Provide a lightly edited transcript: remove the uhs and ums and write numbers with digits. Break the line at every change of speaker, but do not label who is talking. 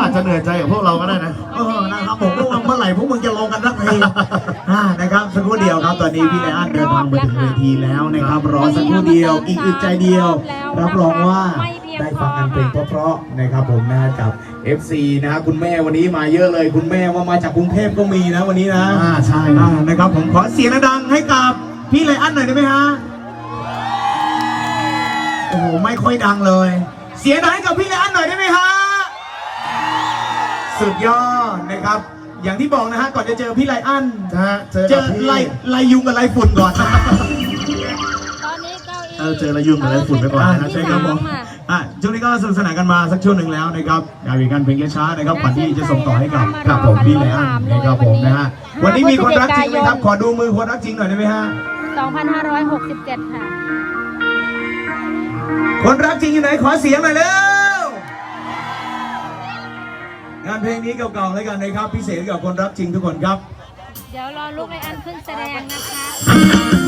อาจจะเหนื่อยใจกับพวกเราก็ได้นะ
นะครับผมก็ว่าเมื่อไหร่พวกมึงจะลงกันสักทีนะครับสักครู่เดียวครับตอนนี้พี่ไลอ้อนเดินทางมาถึงเวทีแล้วนะครับรอสักครู่เดียวอีกอึดใจเดียวรับรองว่าได้ฟังกันเพลงเพราะๆนะครับผมนะกับ FC นะคุณแม่วันนี้มาเยอะเลยคุณแม่ว่ามาจากกรุงเทพก็มีนะวันนี้นะ
ใช่
นะครับผมขอเสียงดังให้กับพี่ไลอ้อนหน่อยได้ไหมฮะโอ้โหไม่ค่อยดังเลยเสียงดังให้กับพี่ไลอ้อนหน่อยได้ไหมฮะสุดยอดนะครับอย่างที่บอกนะฮะก่อนจะเจอพี่ไลอ้อนเจอไลยุงกับไลฝุ่นก่อน
ตอนนี้เก้าอี้
เจอระยุ่งกับอะไรฝุ่นไปก่อนนะ
ใช่ครับผมช่วงนี้ก็สนุกสนานกันมาสักช่วงหนึ่งแล้วนะครับงานวิการเพลงช้านะครับก่อนที่จะส่งต่อให้กับผมพี่ไลอ้อนนะครับผมนะฮะวันนี้มีคนรักจริงไหมครับขอดูมือคนรักจริงหน่อยได้ไหมฮะ
2567 ค่ะ
คนรักจริงอยู่ไหนขอเสียงหน่อยเร็วงานเพลงนี้เก่าๆแล้วกันนะครับพิเศษกับคนรักจริงทุกคนครับ
เดี๋ยวรอลูกไลอ้อนขึ้นแสดงนะคะ